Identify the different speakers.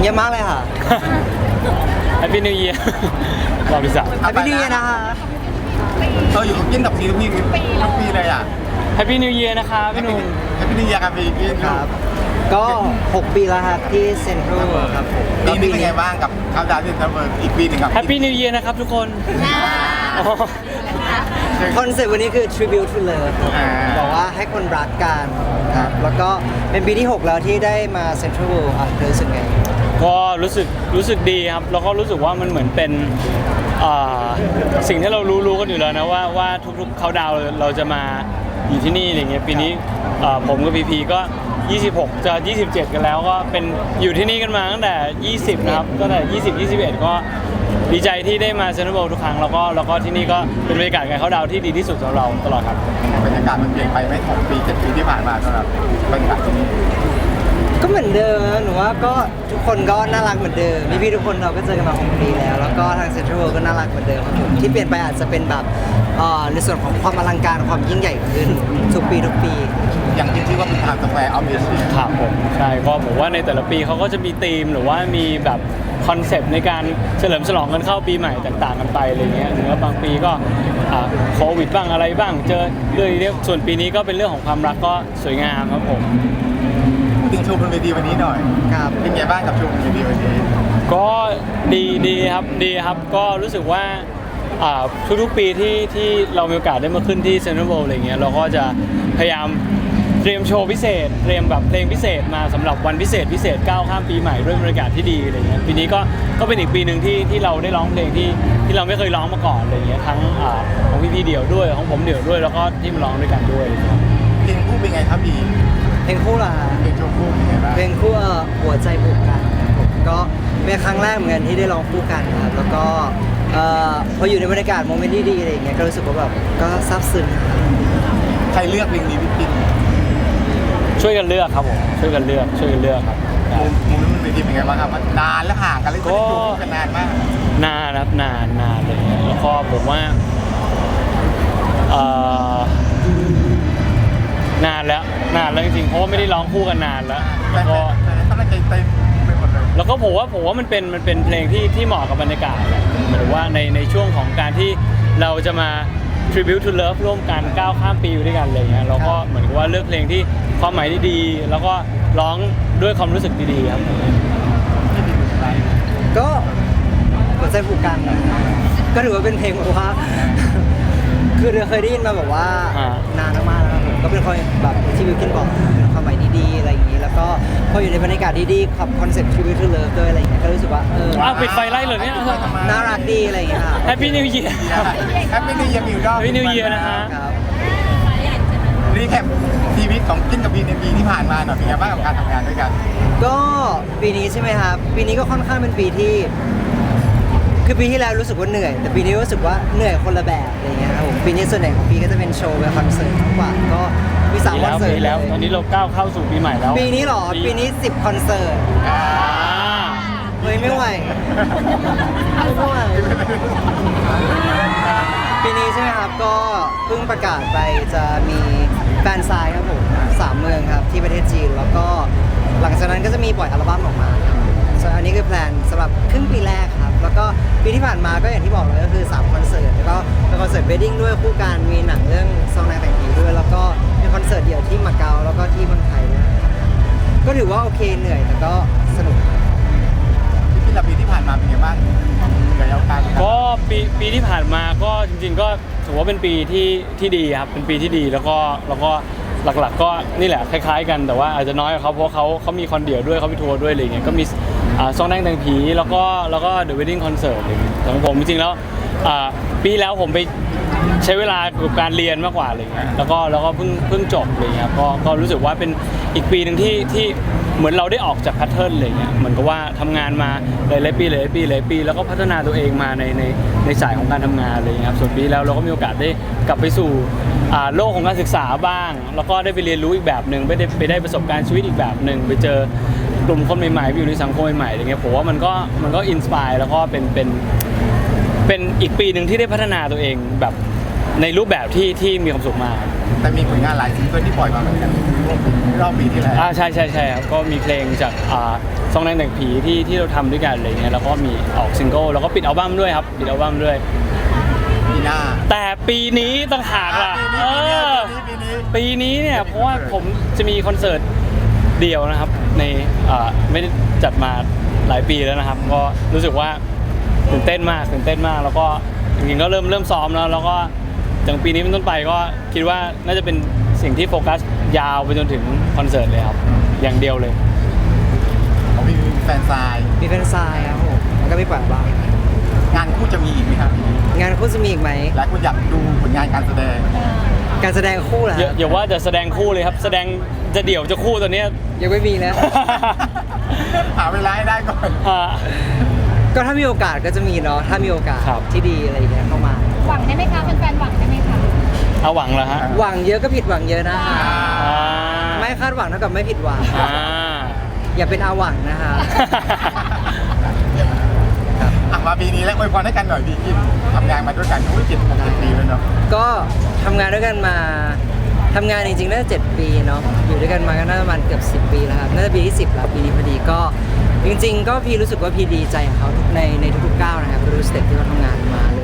Speaker 1: อะมากเลยค่ะ
Speaker 2: แฮปปี้นิวเยียร์รอบที่สาม
Speaker 1: แฮปปี้นิวเยียร์นะคะ
Speaker 3: เราอยู่กับกินกับซีทุกปีเลยอ่ะ
Speaker 2: แฮปปี้นิวเยียร์นะคะพี่หนุ่ม
Speaker 3: แฮปปี้นิวเยียร์ครับพี่กิน
Speaker 1: ครับ ก็ 6 ปีแล้วครับที่เซ็นทรัลครับผม
Speaker 3: ปีนี้เป็นไงบ้างกับเขาดาวน์ที่เซ็นทรัลเวิลด์อีกปีหนึงครับ
Speaker 2: แฮปปี้นิวเยียร์นะครับทุกคนอ๋อ
Speaker 1: คอนเซ็ปต์วันนี้คือ tribute to love ครับบอกว่าให้คนรักกันครับแล้วก็เป็นปีที่ 6 แล้วที่ได้มาเซ็นทรัลเวิลด์รู้สึกไง
Speaker 2: ก็รู้สึกดีครับแล้วก็รู้สึกว่ามันเหมือนเป็นสิ่งที่เรารู้กันอยู่แล้วนะว่าทุกๆเขาดาวน์เราจะมาอยู่ที่นี่อะไรเงี้ยปีนี้ผมกับพีพีก็ 26 จะ 27 กันแล้วก็เป็นอยู่ที่นี่กันมาตั้งแต่ 20 นะครับตั้งแต่ 20 21 ก็ดีใจที่ได้มาเซ็นทรัลเวิลด์ทุกครั้งแล้วก็ที่นี่ก็เป็นบรรยากาศการเขาดาวน์ที่ดีที่สุดสำหรับเราตลอดครับ
Speaker 3: บรรยากาศมันเปลี่ยนไปไหม6 ปี 7 ปีที่ผ่านมาสำหรับบรรยากาศที่นี่
Speaker 1: ก็เหมือนเดิมนะหนูว่าก็ทุกคนก็น่ารักเหมือนเดิมพี่ๆทุกคนเราก็เจอกันมา6 ปีแล้วแล้วก็ทางเซ็นทรัลเวิลด์ก็น่ารักเหมือนเดิมครับผมที่เปลี่ยนไปอาจจะเป็นแบบในส่วนของความอลังการความยิ่งใหญ่ขึ้นทุกปี
Speaker 3: อย่างที่ชื่อว่าเป็นทางสแควร์ออฟเอเชีย
Speaker 2: ครับผมใช่ก็ผมว่าในแต่ละปีเขาก็จะมีธีมหรือว่ามีแบบคอนเซปต์ในการเฉลิมฉลองกันเข้าปีใหม่ต่างๆกันไปอะไรเงี้ยหรือว่าบางปีก็โควิดบ้างอะไรบ้างเจอเรื่องนี้ส่วนปีนี้ก็เป็นเรื่องของความรักก็สวยงามครับผม
Speaker 3: ถึงโชว์บนเวทีวันนี้หน่อย
Speaker 1: ครับ
Speaker 3: เป็นไงบ้างกับโชว์บนเวทีวันนี้
Speaker 2: ก็ดีครับก็รู้สึกว่าทุกๆปีที่เรามีโอกาสได้มาขึ้นที่เซ็นทรัลเวิลด์อะไรเงี้ยเราก็จะพยายามเตรียมโชว์พิเศษเตรียมแบบเพลงพิเศษมาสำหรับวันพิเศษก้าวข้ามปีใหม่ด้วยบรรยากาศที่ดีอะไรเงี้ยปีนี้ก็เป็นอีกปีหนึ่งที่เราได้ร้องเพลงที่เราไม่เคยร้องมาก่อนอะไรเงี้ยทั้งของพี่เดี่ยวด้วยของผมเดี่ยวด้วยแล้วก็ที่มาร้องด้วยกันด้วย
Speaker 3: เพลงคู่เป็นไงครับพี่
Speaker 1: เพลงคู่ล่ะ
Speaker 3: เพลงโชว์คู่เป็นไงบ้าง
Speaker 1: เพลงคู่หัวใจผูกกันครับผมก็เป็นครั้งแรกเหมือนกันที่ได้ร้องคู่กันครับแล้วก็พออยู่ในบรรยากาศโมเมนต์ที่ดีอะไรอย่างเงี้ยก็รู้สึกว่าแบบก็ซาบซึ้งครับ
Speaker 3: ใครเลือกเพลงนี้พี่กิน
Speaker 2: ช่วยกันเลือกครับผมช่วยกันเลือกครับ
Speaker 3: มุมนั้นมันเวทีเป็นไงบ้างครับมันนานแล้วห่างกันเลยไม่ได้จูบกันนานมาก
Speaker 2: นานครับนานเลยแล้วก็ผมว่านานแล้วจริงๆเพราะว่าไม่ได้ร้องคู่กันนานแล้ว
Speaker 3: แต่
Speaker 2: ก็
Speaker 3: กำลังใจเต็มไปหมดเลย
Speaker 2: แล้วก็ผมว่ามันเป็นเพลงที่เหมาะกับบรรยากาศแหละหมายถึงว่าในช่วงของการที่เราจะมา tribute to love ร่วมกันก้าวข้ามปีอยู่ด้วยกันอะไรเงี้ยเราก็เหมือนกับว่าเลือกเพลงที่ความหมายที่ดีแล้วก็ร้องด้วยความรู้สึกดีๆครับ
Speaker 1: ก็หัวใจผูกกันนะก็ถือว่าเป็นเพลงแบบว่า คือเราเคยได้ยินมาแบบว่า นานมากแล้วครับผมก็เป็นคนแบบที่วิวกินบอกเป็นความหมายดีๆอะไรอย่างนี้แล้วก็พออยู่ในบรรยากาศดีๆกับคอนเซ็ปต์ tribute to love ด้วยอะไรอย่างเงี้ยก็รู้สึกว่า
Speaker 2: ปิดไฟไล่เลยเนี่ย
Speaker 1: น่ารักดีอะไรอย่างเงี้ยครับ
Speaker 2: Happy New Year
Speaker 3: แฮปปี้นิวเยียร์มิวดอ
Speaker 2: Happy New Year นะฮะ
Speaker 1: ครับ
Speaker 3: รีแคปชีวิตของกินกับพีในปีที่ผ่านมาหน่อยเป็นไงบ้างกับการทำงานด้วยกัน
Speaker 1: ก็ปีนี้ใช่ไหมครับปีนี้ก็ค่อนข้างเป็นปีที่คือปีที่แล้วรู้สึกว่าเหนื่อยแต่ปีนี้รู้สึกว่าเหนื่อยคนละแบบอะไรเงี้ยครับผมปีนี้ส่วนใหญ่ของปีก็จะเป็นโชว์เป็นคอนเสิร์ตมากกว่าก็มี3คอนเสิร์ต
Speaker 2: ปีแล้วตอนนี้เราก้าวเข้าสู่ปีใหม่แล้ว
Speaker 1: ปีนี้เหรอปีนี้10คอนเสิร์ตเฮ้ยไม่ไหวไม่ไหวปีนี้ใช่ไหมครับก็เพิ่งประกาศไปจะมีแฟนไซน์ครับผม3 เมืองครับที่ประเทศจีนแล้วก็หลังจากนั้นก็จะมีปล่อยอัลบั้มออกมาส่วนอันนี้คือแพลนสำหรับครึ่งปีแรกครับแล้วก็ปีที่ผ่านมาก็อย่างที่บอกเลยก็คือ3คอนเสิร์ตแล้วก็เป็นคอนเสิร์ตเวดดิ้งด้วยคู่กันมีหนังเรื่องซองนางแต่งผีด้วยแล้วก็เป็นคอนเสิร์ตเดี่ยวที่มาเก๊าแล้วก็ที่เมืองไทยด้วยก็ถือว่าโอเคเหนื่อยแต่ก็สนุก
Speaker 3: พี่กินกับปีที่ผ่านมาเป็นไงบ้างเหนื่อยเอาการ
Speaker 2: ก็ปีที่ผ่านมาก็จริงๆก็ถือว่าเป็นปีที่ดีครับเป็นปีที่ดีแล้วก็หลักๆก็นี่แหละคล้ายๆกันแต่ว่าอาจจะน้อยกว่าเขาเพราะเขามีคอนเดียวด้วยเขามีทัวร์ด้วยอะไรเงี้ยก็มีซองแดงแต่งผีแล้วก็The Wedding Concert อะไรเงี้ยแต่ของผมจริงๆแล้วปีแล้วผมไปใช้เวลากับการเรียนมากกว่าอะไรเงี้ยแล้วก็เพิ่งจบอะไรเงี้ยก็รู้สึกว่าเป็นอีกปีหนึ่งที่เหมือนเราได้ออกจากแพทเทิร์นอะไรเงี้ยเหมือนกับว่าทำงานมาหลายปีแล้วก็พัฒนาตัวเองมาในสายของการทำงานอะไรเงี้ยครับส่วนปีแล้วเราก็มีโอกาสได้กลับไปสู่โลกของการศึกษาบ้างแล้วก็ได้ไปเรียนรู้อีกแบบหนึ่งไปได้ประสบการณ์ชีวิตอีกแบบหนึ่งไปเจอกลุ่มคนใหม่ๆไปอยู่ในสังคมใหม่ๆอะไรเงี้ยผมว่ามันก็อินสปายแล้วก็เป็นอีกปีหนึ่งที่ได้พัฒนาตัวเองแบบในรูปแบบที่มีความสุขมาก
Speaker 3: แต่มีผลงานหลายซิงเกิลที่ปล่อยมาเหมือนกันรอบปีที่แล้ว
Speaker 2: ใช่ครับก็มีเพลงจากซองแดงแต่งผีที่เราทำด้วยกันอะไรเงี้ยแล้วก็มีออกซิงเกิลแล้วก็ปิดอัลบั้มด้วยครับปิดอัลบั้มด้วย
Speaker 3: ปีหน้า
Speaker 2: แต่ปีนี้ต่างหากล่ะปีนี้เนี่ยเพราะว่าผมจะมีคอนเสิร์ตเดี่ยวนะครับในไม่ได้จัดมาหลายปีแล้วนะครับก็รู้สึกว่าตื่นเต้นมากแล้วก็จริงๆก็เริ่มซ้อมแล้วก็จากปีนี้เป็นต้นไปก็คิดว่าน่าจะเป็นสิ่งที่โฟกัสยาวไปจนถึงคอนเสิร์ตเลยครับอย่างเดียวเลย
Speaker 3: ของพี่มีแฟนซาย
Speaker 1: มีแฟนซายครับผมแล้วก็มีปล่อยอัลบั้ม
Speaker 3: งานคู่จะมีอีกไหมครับ
Speaker 1: งานคู่จะมีอีกไหม
Speaker 3: หลายคนอยากดูผลงานการแสดง
Speaker 1: การแสดงคู่เหรอ
Speaker 2: อย่าว่าจะแสดงคู่เลยครับแสดงจะเดี่ยวจะคู่ตอนเนี้ย
Speaker 1: ยังไม่มีแล้ว
Speaker 3: หาเวลาให้ได้ก่อน
Speaker 2: อ่า
Speaker 1: ก็ถ้ามีโอกาสก็จะมีเนาะถ้ามีโอกาส
Speaker 2: ครับ
Speaker 1: ที่ดีอะไรอย่างเงี้ยเข้ามา
Speaker 4: หวังได้ไหมคะแฟนๆหวังได้ไหมคะ
Speaker 2: เอาหวังเหรอฮะ
Speaker 1: หวังเยอะก็ผิดหวังเยอะนะคะ
Speaker 2: อ่า
Speaker 1: ไม่คาดหวังเท่ากับไม่ผิดหวัง
Speaker 2: อ่า
Speaker 1: อย่าเป็นอาหวังนะคะ
Speaker 3: มาปีนี้แล้วอวยพรให้กันหน่อยพี่กินทำงานมาด้วยกันรู้7-6 ปีแล้วเนาะ
Speaker 1: ก็ทำงานด้วยกันมาทำงานจริงๆน่าจะ7 ปีเนาะอยู่ด้วยกันมาก็น่าจะประมาณเกือบ10 ปีแล้วครับน่าจะปีที่10แล้วปีนี้พอดีก็จริงๆ ก็พี่รู้สึกว่าพี่ดีใจกับเขาในทุกๆก้าวนะครับทุกสเต็ปที่เขาทำงานมา